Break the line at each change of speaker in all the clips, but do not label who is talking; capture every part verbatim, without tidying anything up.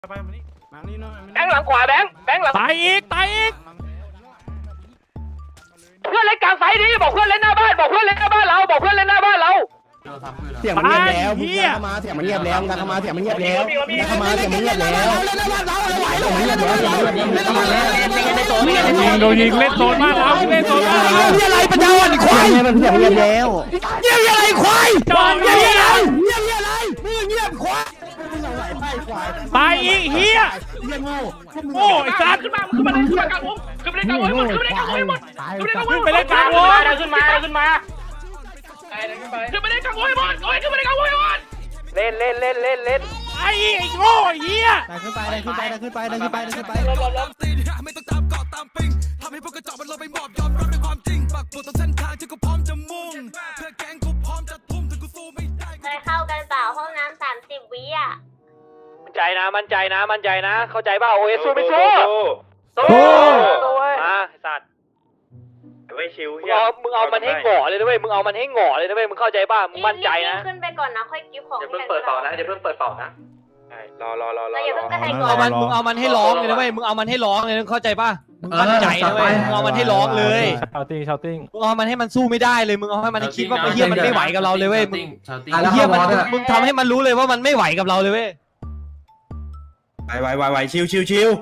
ไปมานี่มานี่หน่อย
แบงค์หลังขวาแบงค์แบงค์หลัง
ตายอีกตายอีก
เพื่อนเล่นกลางไฟดิบอกเพื่อนเล่นหน้าบ้านบอกเพื่อนเล่นหน้าบ้านเราบอกเพื่อนเล่นหน้าบ้านเรา
เสียงมันเงียบแล้วมึงเข้ามาเสียงมันเงียบแล้วมึงเข้ามาเสียงมันเงียบแล้วมึงเข้ามาเสียงมันเงียบแล้วเงียบแล้วเสียงมันเงียบแล้ว
โดนยิงเล่นโซนมากแล้วเล่นโซนมากแล้ว
เงียบอะไรปัญญาอ่อนควายมันเสียงเงียบแล้วเงียบอะไรควาย
จอด
เงี
เงี
ย
ย
บบ อะไรเงียบอะไรมึงเงียบควาย
ตายอีกเฮีย
เงียบโง่
โอ้ไอ้สัตว์
ขึ้นมาขึ้นมาขึ้นมากลางวงขึ้นไปเล่นกลางวงหมดขึ้นไปเล่นกลางวงหมดขึ้นไปเล่นกลางวง
ขึ้นไปเล่นกลางวง
ขึ้นมาขึ้นมาขึ้นไปเล่นกลางวงหมดโอ้ยขึ้นไปเล่นกลางวงหมดเล่นเล่นเล่นเล่นเล่น
ไอ้ไอ้โง่เฮีย
ดันขึ้นไปดันขึ้นไปดันขึ้นไปดันขึ้นไปดันขึ้นไป
ล้มล้มล้ม
ไม่ต้องตามเกาะตามปิงทำให้พวกกระจอกมันลงไปหมอบยอมรับในความจริงปักปุดตรงเส้นทางที่กูพร้อมจะมุ่งเพื่อแก๊งกูพร้อมจะทุ่มถึงกูสู้ไม่ได้
เคยเข้ากันเปล่าห้องน้ำสามสิบวิอ่ะ
มั่นใจนะมั่นใจนะมั่นใจนะเข้าใจป่ะโอ้ยสู้ไม่สู้สู้มาสัตว์
ไม่ชิว
มึงเอามึงเอามันให้หง่อเลยนะเว้ยมึงเอามันให้หง่อเลยนะเว้ยมึงเข้าใจป่ะมึงมั่นใจนะ
ขึ้นไปก่อนนะค่อยกิ๊บของ
อย่าเพิ่งเปิดเป่านะอย่าเพิ่งเปิดเป่านะรอรอรอรอ
เราอย่าเพิ่งกระแทกก่
เอา
อน
มันมึงเอามันให้ร้องเลยนะเว้ยมึงเอามันให้ร้องเลยนะเข้าใจป่ะมึงมั่นใจนะเว้ยมึงเอามันให้ร้องเลย
ชาวติ้งชาวติ้ง
มึงเอามันให้มันสู้ไม่ได้เลยมึงเอาให้มันให้คิดว่าไอ้เหี้ยมันไม่ไหวกับเราเลยเว้ยมึง
อ่ะ
ไอ้เหี้ยมันมึงทำให้มันรู้เลยว่ามันไม่ไหวกับเราเลยเว้ย
ไหวไหวไหวไหวชิวชิวชิว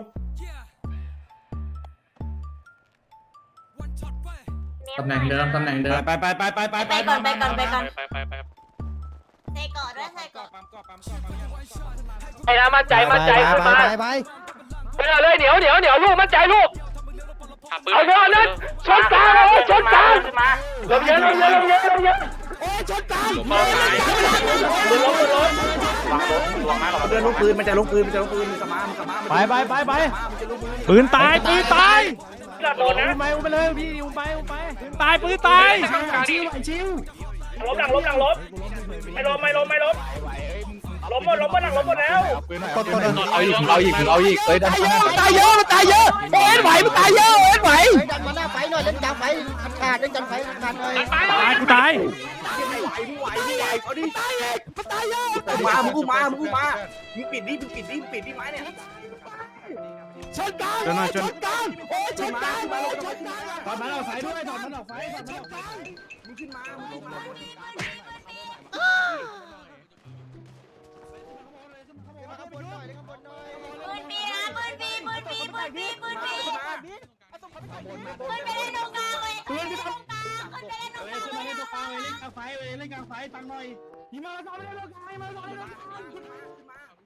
ตำแหน่งเดิมตำแหน่งเดิม
ไปไปไปไปไป
ไปก่อนไปก่อนไปก่อน
ไปไปไป
ใส่ก่อนด้วยใส่ก่อน
ไอ้นะมั่นใจมั่นใจขึ้นมา
ไปไป
ไปเลยเหนียวเหนียวเหนียวลูกมั่นใจลูกเอาเถอะนั่นชนกลางเลยชนกลางลมเย็นลมเย็นลมเย็นลมเย็น
โอ้ยชนกัน
ล้มล้มล้ม
เดินลูกปืนมันจะลูกปืนมันจะลูกปืนมันกระมามันกระมา
ไปไปไปไปปืนตายปืนตาย
โดนนะ
อุ้มไปอุ้มไปเลยพี่อุ้มไปอุ้มไปปืนตายปืนตาย
ชิวชิว
ล้มหลังล้มหลังล้มไม่ล้มไม่ล้มไม่ล้มล้มหมดล้มหมดหลังล้มหมดแล้ว
ต้นต้นเอาอีกเอาอีกเอาอีกเอ้ยตายเยอะมันตายเยอะมันตายเยอะโอ้ยไหวมันตายเยอะโอ้ยไหวดันมาหน้าไฟหน่อยเล่นกลางไฟขาดเล่นกลางไฟขาดหน่อย
ตายกูตาย
มามึงกูมามึงกูมามึงปิดดิมึงปิดดิมึงปิดดิไม้เนี่ยชนกันชนชนกันโอ้ยชนกันมาลงชนกันถอดมันออกไฟด้วยถอดมันออกไฟถอดมันออกไฟมึงขึ้นมามึงขึ้นมา
ปืนปีนะปืนปีปืนปีปืนปีปืนปีปืนไปเล่นตรงกลางเลยปืนไปตรงกลางปืนไปเล่นตรงกลางเลย
เล่นกลางไฟเล่นกลางไฟเล่นกลางไฟตังหน่อยยิงมาแล้วเล่นกลางไฟมาแล้วเล่นกลางไฟ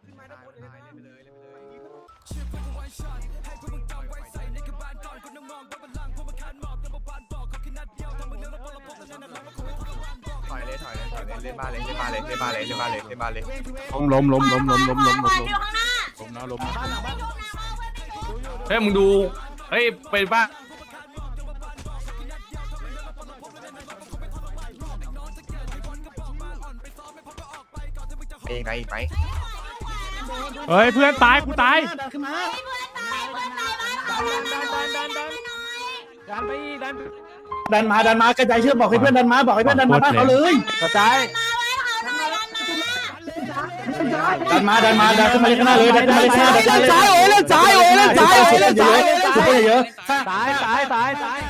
ถอยเลยถอยเลยถอยเลยเล่นบ้านเลยเล่นบ้านเลยเล่นบ้านเลยเล่นบ้านเลยเล่นบ้านเลย
ล้มล้มล้มล้มล้มล้มล้มล้ม
อยู่ข้างหน้า
ล้มนะล้มนะ
เฮ้ยมึงดูเฮ้ยเป็นป่ะ
เองไหนอีกไหม
เฮ้ยเพื่อนตายกูตาย
ดันขึ้นมา
เพื่อนตายเพื่อนตายบ้านเรา
ดันดันดันดันดันไปอีกดัน
ดันมาดันมากระจายเชือกบอกให้เพื่อนดันมาบอกให้เพื่อนดันมาบ้านเขาเลยกระจาย
มาไว้เขาหน่อยดันมา
ดันมาดันมาดันขึ้นมาเล่นข้างหน้าเลยดันขึ้นมาเล่นข้างหน้าดันซ้ายโอ้ยเล่นซ้ายโอ้ยเล่นซ้ายโอ้ยเล่นซ้ายสุดเยอะ
ตายตายตายตาย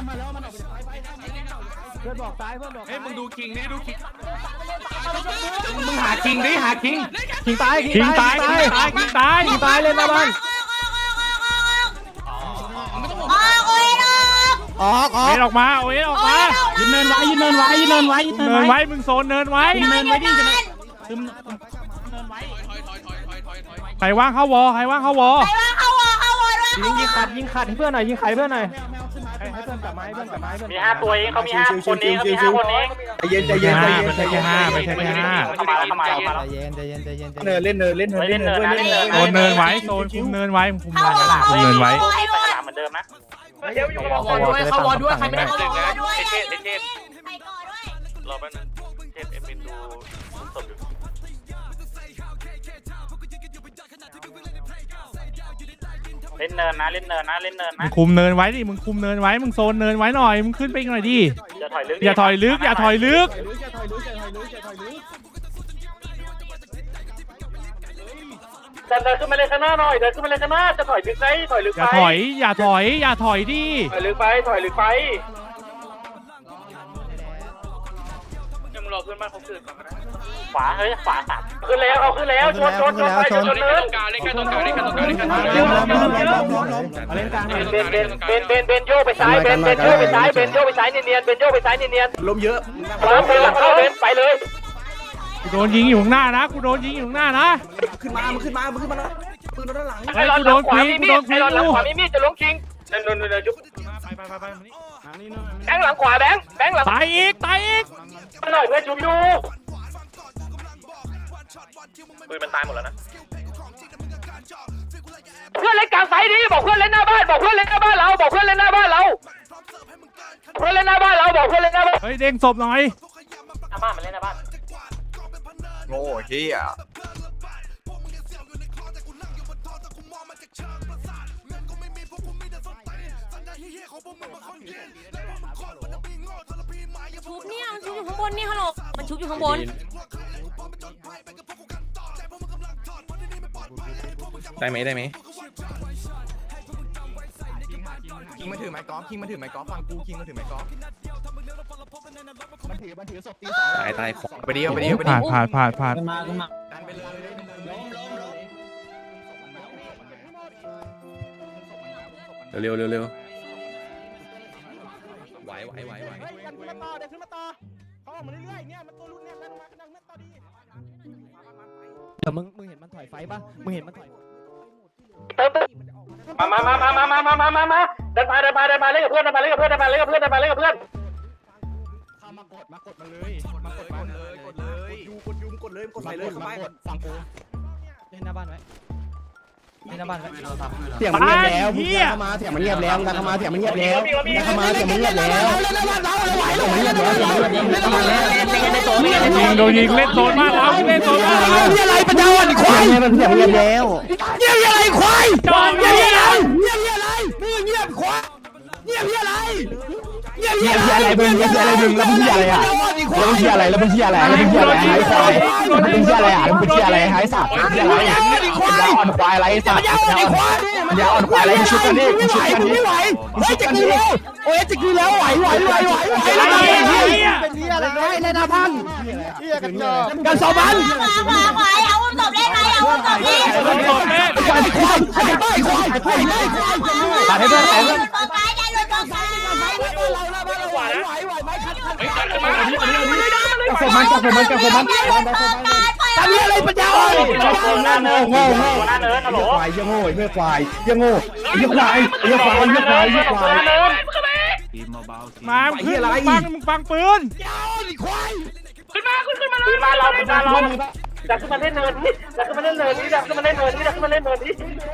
เพื่อนบอกตายเพื่อนบอก
เฮ้ยมึงดูคิงนี่ดูคิงมึงหาคิงดิหาคิง
คิงตายคิงตายคิงตายคิงตายคิงตายเล่นหน้าบ้าน
ออกโอ้ยออก
ออกออ
เอ็
ก
นออกมาโอ้ยออกมา
ยืนเนินไว้ยืนเนินไว้ยืนเนินไว้ยืน
เนิ
เนิน
น
ไว้
ไว้มึงโซนเนินไว้
ยืนเนินไว้ดิจะไม่ซึม
ใครว่างเข้าวอใครว่างเข้าวอ
ไปว่าเข้าวอเข้าวอด้วย
ยิงยิงขัดยิงขัดให้เพื่อนหน่อยยิงขัดเพื่อนหน่อยให้เพื่อนกลับมาให้เพื่อนกลับมาให้เพื่อน
มีห้าตัวเองเขามีห้าคนเองเขามีห้าคนเอง
ใจเย็นใจเย็นใจเย็น
ไม่ใช่แค่ห้าไม่ใช่แค่ห้า
เข้ามาแล้วเข้ามาแล้วเข้ามาแล้ว
เย็นใจเย็นใจเย็นเนินเล่นเนินเล่นเนินเล่นเนิน
โซนเนินไว้โซนคุมเนินไว้คุม
เข้าวอ
คุมเนินไว้
เข้าวอ
ไปสนามเหมือนเดิมนะเดี๋ยวอยู่กับวอลด้วย
เข้าวอด้วยใครไม่ได้
เข้าวอด้วย
เทพเทพ
ไปก่อนด้วย
รอแป๊บนึงเทพเอ็มเอ็นดูสดอยู่ เล่นเนินนะเล่นเนินนะเล่นเนิน
มึ
นะ
งคุมเนินไว้ดิมึงคุมเนินไว้มึงโซนเนินไว้หน่อยมึงขึ้นไปอีกหน่อยดิ
อย่าถอยลึก
อย่าถอยลึกอย่าถอยลึก
ใจดินเดินขึ้นมาเลยข้างหน้าหน่อยเดินขึ้นมาเลยข้างหน้าจะถอยลึกไหมถอยลึก
อ
ไป
ย่าถอยอย่าถอยอย่าถอยดิ
ถอยลึกไปถอยลึกไปยังรอเพื่อนบ้านเขาขึ้นก่อนนะขวาเฮ้ยขวาสามขึ้นแล้วเอาขึ้นแล้วชนชนชนไปชนเนินเล่นกันตรงกลางเล่นกันตรงกลางเล่นกันตรงกลางเล่นกันเบนเบนเบนเบนเบนโยไปซ้ายเบนเบนโยไปซ้ายเบนโยไปซ้ายเนียนเบนโยไปซ้ายเนียน
ลมเยอะ
ล้มไปหลังเข้าเบนไปเลย
กูโดนยิงอยู่ข้างหน้านะกูโดนยิงอยู่ข้างหน้านะ
ขึ้นมามึงขึ้นมามึงขึ้นมาปืนด้านหลัง
ไอ้หลอดหลังขวามีมีดไอ้หลอดหลังขวามีมีดจะล้มคิงเดินเดินเดินยุบแบงค์หลังขวาแบงค์แบงค์หลัง
ตายอีกตายอีก
หน่อยเพื่อนชุบอยู่ปืนมันตายหมดแล้วนะเพื่อนเล่นกลางไฟดิบอกเพื่อนเล่นหน้าบ้านบอกเพื่อนเล่นหน้าบ้านเราบอกเพื่อนเล่นหน้าบ้านเราเพื่อนเล่นหน้าบ้านเราบอกเพื่อนเล่นหน้าบ้าน
เฮ้ยเด้งศพหน่อย
หน้าบ้านมันเล่นหน้าบ้าน
โง่เฮีย
ชุบเนี่ยมันชุบอยู่ข้างบนนี่ฮัลโหลมันชุบอยู่ข้างบน
ได้ไหมได้ไหม
คิงมาถือไม้กอล์ฟคิงมาถือไม้กอล์ฟฟังกูคิงมาถือไม้กอล์ฟ
ตายตายของไปดีไปดีไปดี
ผ่านผ่านผ่านผ่าน
ดันไปเลย
เร็วเร็วเร็วไหวไหวไหวไหว
เดี๋ยวมึงมึงเห็นมันถอยไฟป่ะมึงเห็นมันถอย
เติมเติมมามามามามามามามามาเดินมาเดินมาเดินมาเล่นกับเพื่อนเดินมาเล่นกับเพื่อนเดินมาเล่นกับเพื่อนเดินมาเล่นกับเพื่อน
เข้ามากดมากดมาเลยมากดมาเลยกดเลยยูกดยูกดเลยกดใส่เลยเข้าไปฟังกู
เล่นหน้าบ้านไว้เล่นหน้าบ้านไว้
เสียงมันเงียบแล้วมึงเข้ามาเสียงมันเงียบแล้วดันเข้ามาเสียงมันเงียบแล้วดันเข้ามาเสียงมันเงียบแล้วเงียบแล้วเงียบแล้วเข้ามาแล้ว
ยิงโดนยิงเล่นโซนบ้านเราเล่นโซนบ้านเรา
เงียบอะไรปัญญาอ่อนควายมันเสียงเงียบแล้วเงียบอะไรควาย
จอด
เงี
เงี
ย
ย
บบ อะไรเงียบอะไรมึงเงียบควายเงียบอะไรเงียบอะไรมึงเงียบอะไรมึงแล้วมึงเงียบอะไรอ่ะแล้วมึงเงียบอะไรแล้วมึงเงียบอะไรแล้วมึงเงียบอะไรหายควายแล้วมึงเงียบอะไรอ่ะแล้วมึงเงียบอะไรหายสัตว์เงียบอะไรควายอ่อนควายอะไรสัตว์อย่าอ่อนควายอะไรชุดกันนี่ชุดกันนี่ไหวเฮ้ยจะกินแล้วโอ้ยจะกินแล้วไหวไหวไหวไหวไหว
ไอ้เหี้ย
เป็นที่อะไรเล่นอาพังกันสองพัน
ขวาขวาขวาเอาอุ้มศพเล่นไหมเอาอุ้มศพเล่น
โดนศพเล่น
ควายควายควายควายควายควายตัดให้เพื่อนตัดให้เพื่อน
กองกายอย่าหลุดกองกาย
กับผมมันกับผมมันกับผมมันทำอะไรปัญญาอ่อนโง่โง่โง่
หน้าเนินฮัลโหล
ควายยังโง่ยังควายยังโง่ยังควายยังควายยังควายยังควาย
หน้าเนิน
มามึงขึ้นมึงฟังมึงฟังปืน
ขึ้นมาขึ้นขึ้นมาขึ้นมาเราขึ้นมาเราดักขึ้นมาเล่นเนินนี่ดักขึ้นมาเล่นเนินนี่ดักขึ้นมาเล่นเนินนี่ดักขึ้นมาเล่นเนินนี่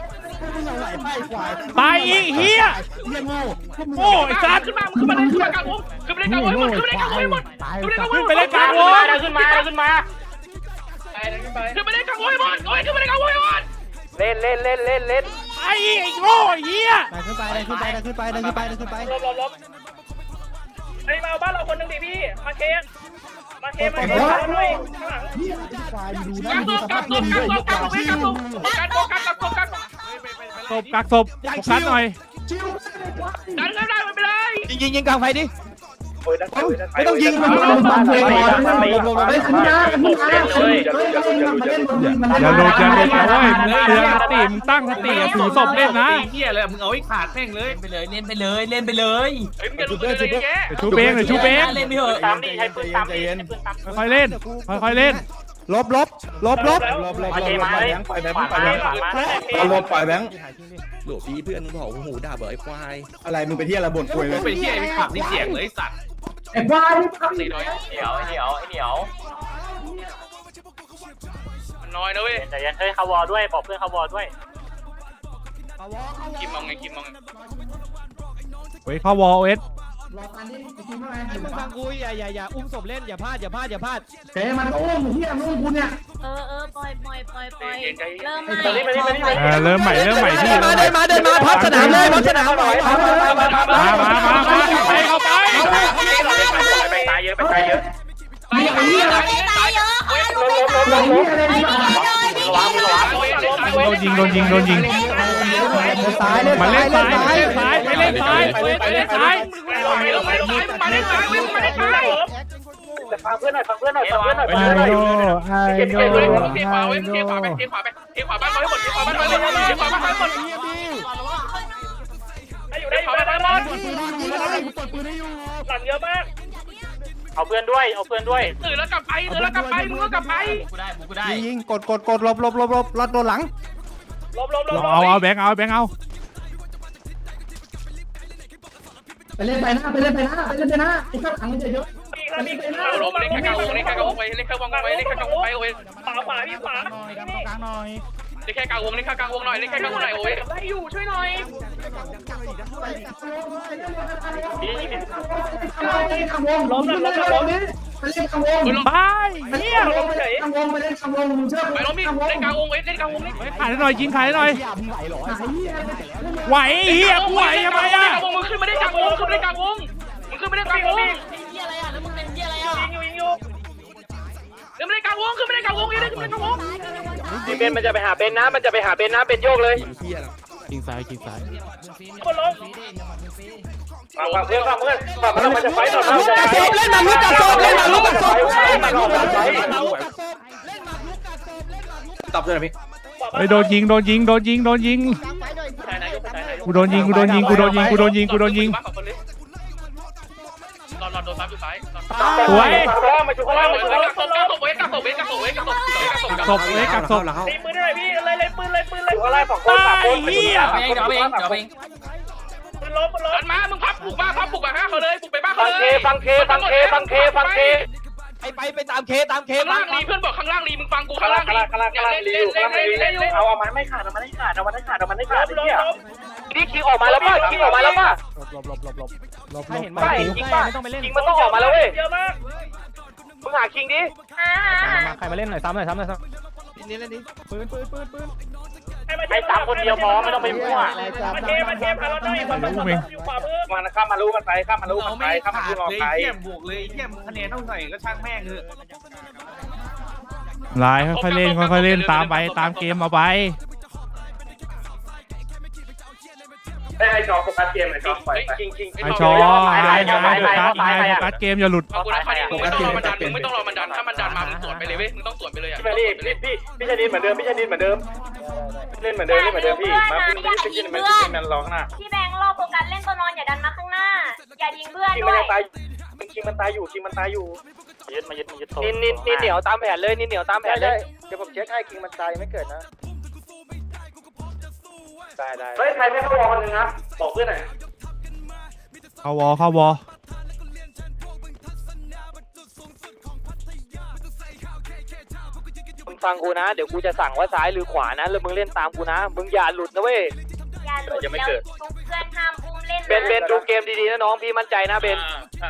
ตายอีกเฮีย
ยังโง่
โง่ไอ้สัตว์
ขึ้นมาขึ้นมาเล่นขึ้นมากลางวงขึ้นมาเล่นกลางวงหมดขึ้นมาเล่นกลางวงหมดขึ้นมาเล่นกลางวง
ขึ้นไปเล่นกลางวง
ขึ้นมาขึ้นมาขึ้นมาเล่นกลางวงหมดโอ้ยขึ้นมาเล่นกลางวงหมดเล่นเล่นเล่นเล่นเล่น
ไอ้ไอ้โง่ไอ้เฮีย
ดันขึ้นไปดันขึ้นไปดันขึ้นไปดันขึ้นไปดันขึ้นไป
ลบลบลบไอ้มาบ้านเราคนนึงดิพี่มาเคสมาเคสมาเคสหน่อยข้างหลัง
ควายดู
กั
นะ
ก
ดู
ศ
ส
พ
ภา
กั
พ
กศ
เงิน
พ
ด้วย
กักศพกักศพกักศพกักศพกักศพกักศพ
ศพกักศพโฟกัสหน่อย
ดันก็ได้ไม่เป็นไร
ยิงยิงยิงกลางไฟดิ
ไม่ต้องยิงมันมันมันเพลงก่อนไม่ขึ้นมาขึ้นมาเฮ้ยมาเล่นมาเล่น
อย่าหลุดอย่าหลุดนะเว้ยมึงเตือนสติมึงตั้งสติถือศพเล่นนะ
เฮียเลยมึงเอาไอ้ขาดแม่งเลยไปเลยเล่นไปเลยเล่นไปเลย
เฮ้ยมึงจะดูเลยแก
เดี๋ยวชูเบงเดี๋ยวชูเบง
เล่นไปเถอะ
ตามดิใช้ปืนตามดิใช้ปืนตาม
ค่อยๆเล่นค่อยๆเล่น
ลบลบลบลบ
ลบลบมาเคมาเลยปล่อยแบงค์ปล่อยแบงค์ปล่อยแบงค์
ลบปล่อยแบงค์
หลวพี่เพื่อนมึงบอกหูด่าเบอร์ไอ้ควาย
อะไรมึงไปที่อะไรบ่นป่วยเลย
เป็นเฮียไอ้ขาดนี่เสียงเลยสัตว์
ไอ้ควาย
สี่ร้อยเหนียวเหนียวเหนียวมันน้อยนะเว้ยใจเย็นเฮ้ยเขาวอด้วยบอกเพื่อนเขาวอด้วยคิมมองไงคิมมอง
เฮ้ยเข้าวอลเอส
มึงฟังกูอย่าอย่าอย่าอุ้มศพเล่นอย่าพลาดอย่าพลาดอย่าพลาด
เจ๊มันโอ้มึงเฮียมึงกูเนี่ย
เออเออปล่อยปล่อยปล่อยปล่อยเริ่ม
มาดิมาดิมาดิมาดิ
เออเริ่มใหม่เริ่มใหม่ที่
มาเดินมาเดินมาพับสนามเลยพับสนามหน่อย
มามามามาไปเข้าไป
ไปตายเยอะไปตายเยอะ
ไม่ตายเยอะค่ะลุงไม่ตาย
โดนยิงโดนยิงโดนยิง
ซ้ายเล่น
มา
ซ้าย
เล่
เล่
น
น
ซ้า
ซ้าย ย
ไปเล่นซ้ายไปเล่นซ้ายไปเล่นซ้าย
มาเล่นซ้ายมาเล่นซ้ายมาเล่นซ้ายฟังเพื่อนหน่อยฟังเพื่อนหน่อยฟังเพื่อนหน่อยฟังเพื่อนหน่อยเก็บเก็บเลยเทขวาไว้เทขวาไปเทขวาไปเทขวาบ้านให้หมดเทขวาบ้านให้หมดเทขวาบ้านให้หมดอยู่ได้อยู่ได้บ้าน
กดปืนให้อยู่เลยกดปืนให้อยู่
หลังเยอะมากเอาเพื่อนด้วยเอาเพื่อนด้วยตื่นแล้วกลับไปตื่นแล้วกลับไปมึงก็กลับไป
ยิงยิงกดกดกดหลบหลบหลบหลบลัดโดนหลัง
ลบลบลบ
เอาเอาแบงค์เอาแบงค์เอา
ไปเล่นไปหน้าไปเล่นไปหน้าไปเล่นไปหน้าไอ้ข้างหลังมันจะเยอะ
เล่นแค่กลางวงเล่นแค่กลางวงไปเล่นแค่กลางวงไปเล่นแค่กลางวงไปโอ้ยขวาขวาพี่ขวา
หน่อยกลางหน่อย
เล่นแค่กลางวงเล่นแค่กลางวงหน่อยเล่นแค่กลางวงหน่อยโอ้ยไล่อยู่ช่วยหน่อย
ล้มแล้วล้มแล้วล้มนี้ไปเล่นข้างวง
ไปเฮีย
ลงเฉย
ข้างวงไปเล่นข้างวงมึงเชื่อ
ไปล้มพี่เล่นกลางวงเล่นกลางวงเล่น
ขายหน่อยยิงขายหน่อย
ไหวเหรอ
ไหวเฮียกูไหวทำไมอ่ะ
วงมึงขึ้นไม่ได้กลางวงขึ้นไม่ได้กลางวงมึงขึ้นไม่ได้กลางวง
เหี้ยอะไรอ่ะแล้วมึงเป็นเหี้ยอะไรอ่ะ
ยิงอยู่ยิงอยู่ขึ้นไม่ได้กลางวงขึ้นไม่ได้กลางวงยังได้ขึ้นไม่ได้กลางวงเบนมันจะไปหาเบนนะมันจะไปหาเบนนะเบนโยกเลย
ยิงซ้ายยิงซ้าย
คนล้มฟังเพื่อนฟังเพื่อนฟังเพื่อนมันจะไฟต่อหน้า
เล่นหมากรุกกัดศพเล่นหมากรุกกัดศพ
ตอบด้วยนะพี่
เฮ้ยโดนยิงโดนยิงโดนยิงโดนยิงกูโดนยิงกูโดนยิงกูโดนยิงกูโดนยิงกูโดนยิง
รอรอโดนซ้ำอยู่ซ้าย
สวย
มาจุกล่างมาจุกล่างกักศพกักศพเว้ยกักศพเว้ยกักศพเว้ยกักศพกักศพกักศ
ศ
พ
พเลยกักศพ
ตีปืนได้ไหมพี่เลยเลยปืนเลยปืนเลยอยู่อะไรสองคนสามคน
เฮีย
เดี๋ยวเองเดี๋ยวเองปืนล้มปืนล้มมามึงพับบุกบ้านพับบุกบ้านเขาเลยบุกไปบ้านเขาเลยฟังเคฟังเคฟังเคฟังเค
ไปไปไปตามเคตามเค
ข้างล่างรีเพื่อนบอกข้างล่างรีมึงฟังกูข้างล่างรีข้างล่างข้างล่างรีอยู่ข้างล่างรีเล่นเอาเอามันไม่ขาดเอามันไม่ขาดเอามันไม่ขาดเอามันไม่ขาดเนี่ยนี่คิงออกมาแล้วป่ะคิงออกมาแล้วป่ะ
หลบหลบหลบหลบหลบ
ไม่เห็นป่ะคิงป่ะคิงมันต้องออกมาแล้วเว้ยเยอะมากมึงหาคิงดิ
ใครมาเล่นหน่อยซ้ำหน่อยซ้ำหน่อยซ้
นี่เล่นนี้
ำปืนปืนปืนปืน
ไอ้สามคนเดียวพอไม่ต้องไปมั่วมาเทมาเทพาเราได้มันมันอยู่ขวามือมันข้ามมารู้กันไปข้ามมารู้กันไปข้ามมารู้กันไป
บวกเลยเทียมคะแนนเท่าไหร่ก็ช่างแม่งเถอะ
ลายค่อยๆเล่นค่อยๆเล่นตามไปตามเกมเอาไป
ไอ้ชอโฟกัสเกมไอ้ชอปล่อยไปคิงคิง
ไอชอไอไอโฟกัสไอโฟกัสเกมอย่าหลุด
ขอบคุณนะคดีมึงไม่ต้องรอมันดันมึงไม่ต้องรอมันดันถ้ามันดันมามึงสวนไปเลยเว้ยมึงต้องสวนไปเลยอ่ะพี่พี่พี่พี่ชนิดเหมือนเดิมพี่ชนิดเหมือนเดิมเล่นเหมือนเดิมเล่นเหมือนเดิมพี่มาพี่พี่พี่มันพี่มันร้องหน้า
พี่แบงค์รอโฟกัสเล่นตัวนอนอย่าดันมาข้างหน้าอย่ายิงเพื่อน
คิง
ด้
มัน
วย
ยังตายคิงมันตายอยู่คิงมันตายอยู่ยึดมายึดมายึดนินนินนินเหนียวตามแผนเลยนินเหนียวตามแผนเลยเดี๋ยวผมเช็คให้คิงมันตายไม่เกิดนะได้ได้เฮ้ยใครไม่เข้าวอลคนนึงนะบอกเพื่อนหน่อย
เข้าวอเข้าวอ
มึงฟังกูนะเดี๋ยวกูจะสั่งว่าซ้ายหรือขวานะแล้วมึงเล่นตามกูนะมึงอย่าหลุดนะเว้ย
อย่าหลุดแล้วทุกเพื่อนห้ามอุ้มเล่น
เบนเบนดูเกมดีๆนะน้องพี่มั่นใจนะเบน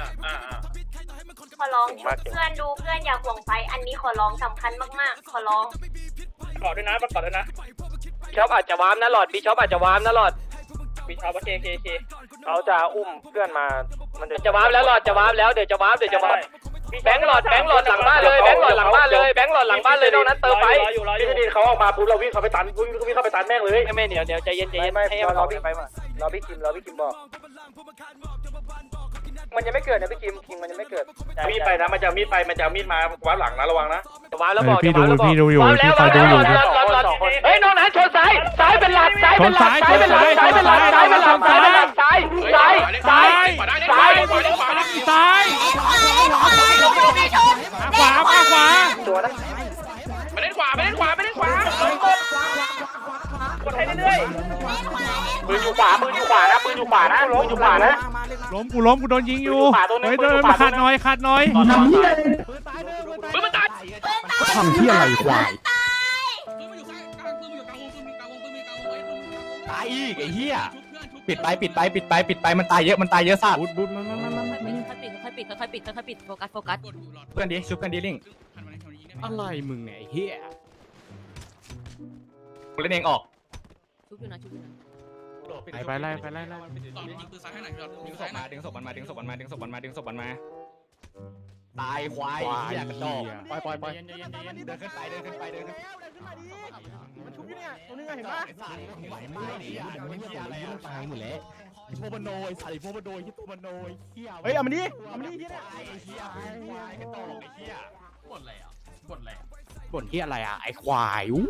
ขอร้องเพื่อนดูเพื่อนอย่าห่วงไฟอันนี้ขอร้องสำคัญมากๆขอร้อง
กอดด้วยนะกอดด้วยนะช็อปอาจจะวามนะหลอดบีช็อปอาจจะวามนะหลอดบีช็อปเคเคเคเขาจะอุ้มเพื่อนมามันจะวามแล้วหลอดจะวามแล้วเดี๋ยวจะวามเดี๋ยวจะวามแบงค์หลอดแบงค์หลอดหลังบ้านเลยแบงค์หลอดหลังบ้านเลยแบงค์หลอดหลังบ้านเลยนอกนั้นเติมไปพี่จะดีเขาออกมาปุ๊บเราวิ่งเข้าไปตันวิ่งเข้าไปตันแม่งเลยไม่ไม่เดี๋ยวเดี๋ยวใจเย็นใจเย็นให้เราพี่ไปมาเราพี่คิมเราพี่คิมบอกมันยังไม่เกิดนะพี่คิมคิมมันยังไม่เกิดมีดไปนะมันจะมีดไปมันจะมีดมาวัดหลังนะระวังนะวางแล้วบอก
พี่ดูพี่ดูอยู่พี่คอยดูอยู่
เฮ้ยนอกนั้นชนซ้ายซ้ายเป็นหลักซ้ายเป็นหลักซ้ายเป็นหลักซ้ายเป็นหลักซ้ายเป็นหลักซ้ายเป็นหลักซ้ายซ้ายซ้ายซ้ายซ้าย
ซ้ายขวามาขวา
ตัวนะไปเล่นขวาไปเล่นขวาไปเล่นขวากดให้เรื่อยๆปืนอยู่ขวาปืนอยู่ขวานะปืนอยู่ขวานะปืนอยู่ขวานะ
ล้มกูล้มกูโดนยิงอยู่เฮ้ยเดินมาขัดหน่อยขัดหน่อย
ปืนมันตาย
ทำที่อะไรควายตายอีกไอ้เหี้ยปิดไปปิดไปปิดไปปิดไปมันตายเยอะมันตายเยอะสัตว์
บุดบุดมันมันมัน
ค่อยปิดค่อยปิดค่อยปิดค่อยปิดโฟกัสโฟกัส
เพื่อนดิชุบเพื่อนดิลิงอะไรมึงไงเหี้ยกูเล่นเองออก
ชุบอยู่นะชุบอยู่นะ
ไปไปไล่ไปไล่ไล่
ดึงศพมาดึงศพมันมาดึงศพมันมาดึงศพมันมาดึงศพมันมาตายควายเหี้ยกระจอกปล่อยปล่อยปล่อยเดินขึ้นไปเดินขึ้นไปเดินขึ้นไปมันชุบอยู่เนี่ยตัวนึงเห็นปะไหวไหมเนี่ยมันเหี้ยอะไรอ่ะตายหมดแล้วโมบโนยใส่โมบโนยที่ตัวมโนยเหี้ยเฮ้ยเอามาดิเอามาดิเหี้ยไอ้เหี้ยควายกระจอกไอ้เหี้ยบ่นอะไรอ่ะบ่นอะไรบ่นเหี้ยอะไรอ่ะไอ้ควายอู้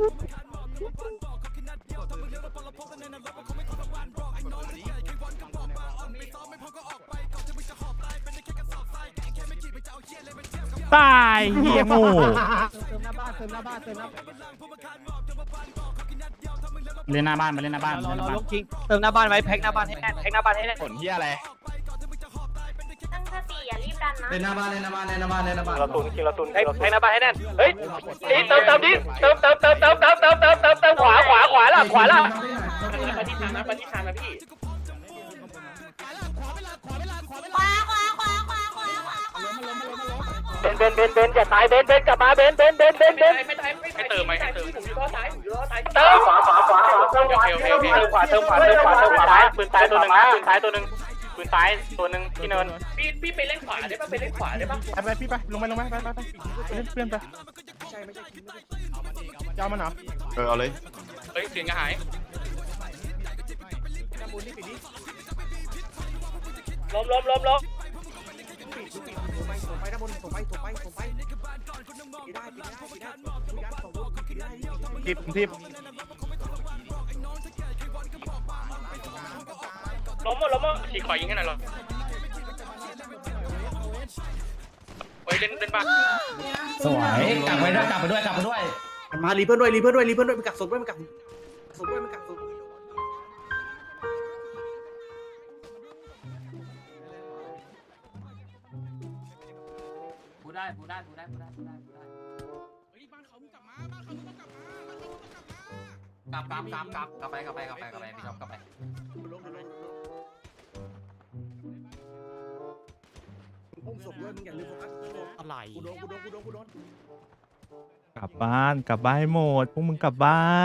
ตายเฮียโง่เล่นหน้าบ้านมาเล่นหน้าบ้าน
รอรอลงคิงเติมหน้าบ้านไว้แพ็คหน้าบ้านให้แน่นแพ็คหน้าบ้านให้แน่น
ผลเหี้ยอะไร
ตั้งสติอย่ารีบดันนะ
เล่นหน้าบ้านเล่นหน้าบ้านเล่นหน้าบ้านเล่นหน้าบ้าน
เราตุนคิงเราตุนแพ็คแพ็คหน้าบ้านให้แน่นเฮ้ยเติมเติมดิเติมเติมเติมเติมเติมเติมเติมเติมเติมขวาขวาขวาล่ะขวาล่ะมาที่ทางนะมาที่ทางนะพี่
ขวาขวาขวาขวาขวาขวาขวา
เบนเบนเบนเบนอย่าตายเบนเบนกลับมาเบนเบนเบนเบนเบนไม่ตายไม่เติมไหมให้เติมผมอยู่ล้อซ้ายผมอยู่ล้อซ้ายเติมขวาขวาขวาเติมขวาเติมขวาเติมขวาเติมขวาเติมขวาปืนซ้ายตัวหนึ่งนะปืนซ้ายตัวหนึ่งปืนซ้ายตัวหนึ่งที่เนินพี่พี่ไปเล่นขวาได้ป่ะไปเล่นขวาได้ป่ะ
ไปไปพี่ไปลงไปลงไปไปไปไปเล่นเพื่อนไปเจ้ามันเหรอ
เออเอาเลย
เฮ้ยเสียงกระหายล้มล้มล้มล้ม
ไปด้านบนส่งไปส่งไปส่งไปได้ทิปทิป
ล้มหมดล้มหมดฉีกขวายิงให้หน่อยหรอเฮ้ยเล่นเล่นบ้า
สวยกลับไปด้วยกลับไปด้วยกลับไปด้วย
มารีเพื่อนด้วยรีเพื่อนด้วยรีเพื่อนด้วยมันกักศพด้วยมันกักศพด้วยมันกักศพ
พูดได้พูดได้พูดได้พูดได้พูดได้พูดได้
เฮ้ยบ้านเขามึงกลับมาบ้านเขามึงต้องกลับมาบ้านเขามึงต้องกลับมาก
ลับกลับกลับกลับกลับไปกลับไปกลับไปกลับไปพี่ชอบกลับไป
อุ้มศพด้วยมึงอย่าลืมโฟกัสอะไรกูโดนกูโดนกูโดนกูโดน
กลับบ้านกลับบ้านให้หมดพวกมึงกลับบ้าน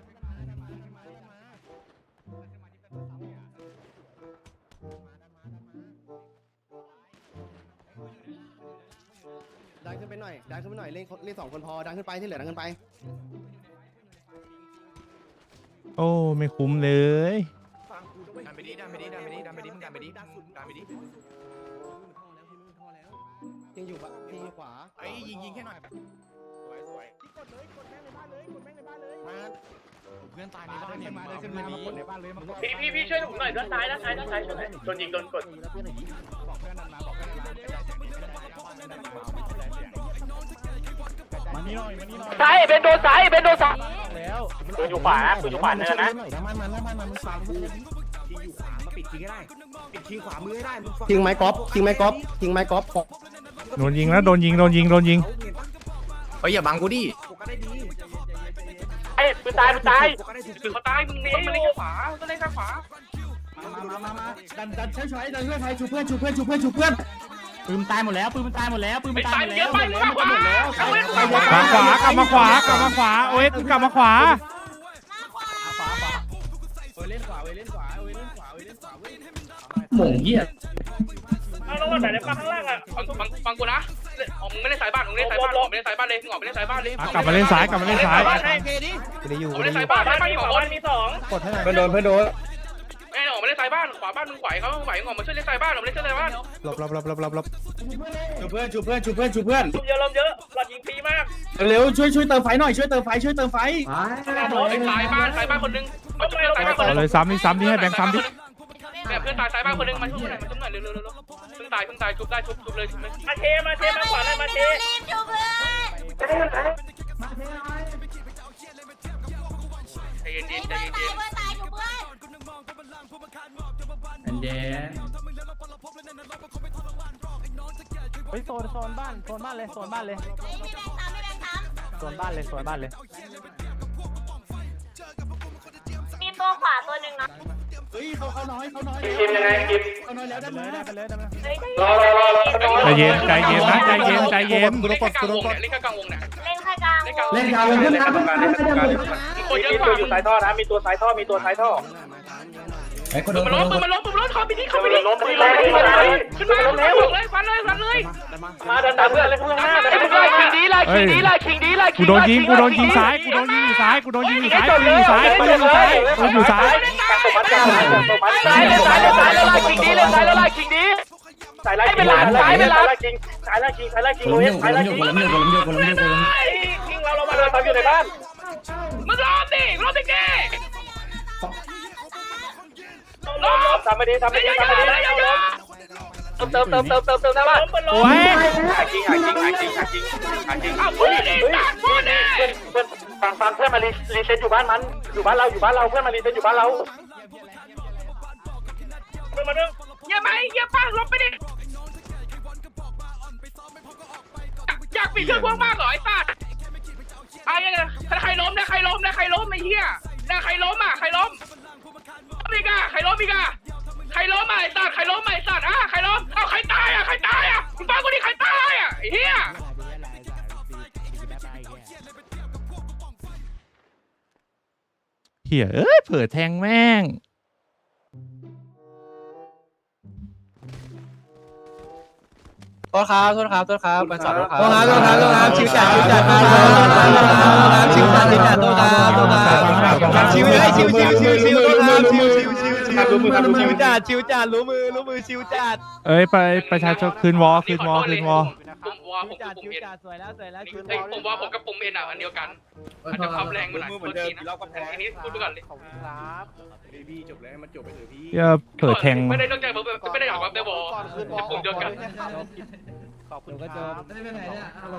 ดันขึ้นไปหน่อยดันขึ้นไปหน่อยเล่นเล่นสองคนพอดันขึ้นไปที่เหลือดันขึ้นไป
โอ้ไม่คุ้มเลย
ดันไปดิดันไปดิดันไปดิดันไปดิมึงดันไปดิดันไปดิ
ยังอยู่ปะยังอยู่ขวา
ไอ้ยิงยิงแค่หน่อย
กดเลยกดแม่งในบ้านเลยกดแม่งในบ้านเลยมา
เพื่อนตายในบ้านเนี่ย
มาเลยขึ้นมากดในบ้านเลย
พี่พี่พี่ช่วยผมหน่อยด้านซ้ายด้านซ้ายด้านซ้ายช่วยหน่อยโดนยิงโดนกด
บอกเพื่อนนั้นมาบอกเพื่อนนั้นมานี่หน่อยมานี่หน่อย
ซ้ายเป็นโดนซ้ายเป็นโดนซ้าย
แล้ว
ปืนอยู่ขวาปืนอยู่ขวาเนินนะ
น้ำมันมันน้ำมันมันมึงฟังกูที่อยู่ขวามาปิดทิ้งให้ได้ปิดทิ้งขวามือให้ได้มึงฟังทิ้งไม้กอล์ฟทิ้งไม้กอล์ฟทิ้งไม้กอล์ฟ
โดนยิงแล้วโดนยิงโดนยิงโดนยิง
เฮ้ยอย่าบังกูดิ
โฟกัสได้ดี
ไอ้ปืนตายปืนตาย
โฟกัสได้ถูก
ปืนเขาตายมึงนี่มันเล่นแค่ขวาก็เล่นแค่ขวา
มามามามาดันดันใช้ใช้ดันช่วยใครชูเพื่อนชูเพื่อนชูเพื่อนชูเพื่อนปืนมันตายหมดแล้วปืนมันตายหมดแล้วปืนมัน
ไม่
ตาย
ตาย
หมด
เย
แล้ว
อะไปมากกว่าเอาไว้ขวา
มาขวากลับมาขวากลับมาขวาโอ้ยกลับมาขวา
มาขวา
ขวาขวาเว้ยเล่นขวาเว้ยเล่นขวาเว้ยเล่นขวาเว้ยเล่นขวาเว้ย
หม่งเหี้ย
เอาลงมาแต่ในฝั่งข้างล่างอ่ะฟังฟังฟังกูนะอ๋อมึงไม่ได้สายบ้านมึงไม่ได้สายบ้านมึงไม่ได้สายบ้านเลยมึงออกไม่ได้สายบ้านเลย
อ่ะกลับมาเล่นซ้ายกลับมาเล่นซ้าย
บ้านให้
ไม่ได้อยู่
ออกไม่ได้สายบ้านบ้านมีสองมีสอง
กดให้หน่อยเพื่อนโดนเพื่อนโดน
ไอ้ออกไม่ได้สายบ้านขวาบ้านมึงไหวเขาไหวมึงออกมาช่วยเล่นสายบ้านออกมาเล่นสายบ้าน
หลบหลบหลบหลบหลบหลบ
ชูเพื่อนชูเพื่อนชูเพื่อนชูเพื่อน
ลมเยอะลมเยอะหลอดยิงฟรีมาก
เร็วช่วยช่วยเติมไฟหน่อยช่วยเติมไฟช่วยเติมไฟ
สายบ้านสายบ้านคนนึงมาช่วยสายบ้านคน
เอา
นึง
เลยซ้ำนี่ซ้ำนี่ให้แบงค์ซ้ำดิ
แบบเพื่อนตายสายบ้านคนนึงมาช่วยหน่อยมาช่วยหน่อยเร็วเร็วเร็วเพิ่งตายเพิ่งตายชุบได้ชุบชุบเลยชุบเลยมาเทมาเทมาขวาเลยมาเท
รีบชูเพื่อน
ใจเย็น
มี
ๆใจ
เพื่อน
เย็
ตาย
น
เพื่อนตายชูเพื่อน
อันเด
เฮ้ยโซนโซนบ้านโซนบ้านเลยโซนบ้านเลย
เฮ้ยไม่แบ่งทำไม่แบ่งท
โซนบ้านเลยโซนบ้านเลย
ำมีตัวขวาตัวหนึ่งนะ
เฮ้ยเขาเขาน้อยเขาน้อย
ๆกินยังไงกิน
เขาน้อยแล้วได้เลยได้ไปเลยได้ไปเลย
เฮ้ย
รอรอรอรอ
ใจเย็นใจเย็นนะใจเย็นใจเย็น
เล่นแค่กลางวงเนี่ยเล่นแค่กลางวงเนี่ย
เล่นแค่กลาง
เล่นกลางเล่นกลางเล่นกลางเล่นกลางคนเยอะกว่าอยู่สายท่อนะมีตัวสายท่อมีตัวสายท่อ
คนโดน
มันล้มมันล้มมันล้มเข้าไปดิเข้าไปดิล้มไปล้มไปขึ้นมาล้มแล้วเลยฟันเลยฟันเลยมาดันดันเพื่อนเลยเพื่อนหน้าไอ้พวกไล่ขิงดีไล่ขิงดีไล่ขิงดีไล่ขิ
กู
ง
โดนยิงกูโดนยิงซ้ายกูโดนยิงอยู่ซ้ายกูโดนยิงอยู่ซ้ายปืนอยู่ซ้ายปืนอยู่ซ้ายปืนอยู่ซ้าย
ซ้ายเลยซ้ายเลยซ้ายเลยไล่ขิงดีเลยซ้ายเลยไล่ขิงดีสายไล่ขิงสายไล่ขิงสายไล่ขิงสายไล่ขิงโอ้ยสายไล่ขิงสายไล่ขิงเราเรามาเดินตามอยู่ในบ้านมึงรอดิรอดิแกรอทำไม่ดีทำไม่ดีทำไม่ดีเติมเติมเติมเติมเติมเติมได้ป่ะ
โอ้ย
หาจริงหาจริงหาจริงหาจริงหาจริง
อ้าวพูดดิพูดดิเพื่อนฟังฟังเพื่อนมารีรีเซ็ตอยู่บ้านมันอยู่บ้านเราอยู่บ้านเราเพื่อนมารีเซ็ตอยู่บ้านเราเพื่อนมาเรื่องเยี่ยมไหมเยี่ยมป้าลบไปดิอยากปิดเครื่องพวกมากเหรอไอ้สัตว์ไอ้เนี่ยใครล้มนะใครล้มนะใครล้มไอ้เหี้ยนะใครล้มอ่ะใครล้มอีกอ่ะใครล้มอีกอ่ะใครล้มอ่ะไอ้สัตว์ใครล้มอ่ะไอ้สัตว์อ่ะใครล้มเอาใครตายอ่ะใครตายอ่ะมึงฟังกูดิใครตายอ่ะไอ้เหี้ย
เหี้ยเอ้ยเผื่อแทงแม่ง
โทษครับโทษครับโทษครับไปสอบโทษครับ
โทษครับโทษครับโทษครับชิวจัดชิวจัดมาชิวจัดชิวจัดโทษครับโทษครับชิวเลยชิวชิวชิวชิวโทษครับชิวชิวชิวชิวรู้มือชิวจัดชิวจัดรู้มือรู้มือชิวจัด
เอ้ยไปประชาชนคืนวอคืนวอคืนวอ
ผมว่าผมกับปุ่มเอ็นสวยแล้วสวยแล้วผมว่าผมกับปุ่มเอ็นอ่ะอันเดียวกันอาจจะความแรงมันหน่อยโทษทีนะอันนี้พูดไปก่อนเลย
พี่จบแล้วมันจบไปเถอะพี่
เหี้ยเผื่อแทง
ไม่ได้ตั้งใจผมไม่ได้ออกแบบเดวอจะปุ่มเดียวกัน
ขอบคุณครับ
แต่แต่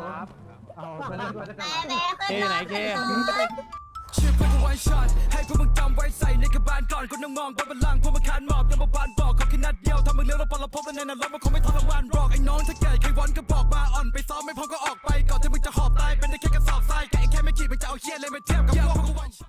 ขึ้นมา
เชื่อเพื่อนกูไว้ช็อตให้พวกมึงจำไว้ใส่ในกระบาลก่อนคนต้องมองบนบัลลังก์พวกมึงคานหมอบยังมาบานบอกขอแค่นัดเดียวทำมึงเลี้ยวแล้วพอเราพบกันในนรกมันคงไม่ทรมานหรอกไอ้น้องถ้าเกิดใครวันก็บอกมาอ่อนไปซ้อมไม่พร้อมก็ออกไปก่อนที่มึงจะหอบตายเป็นได้แค่กระสอบทรายแกแค่ไม่ขีดมึงจะเอาเชี่ยเลยมาเทียบกับพวกกู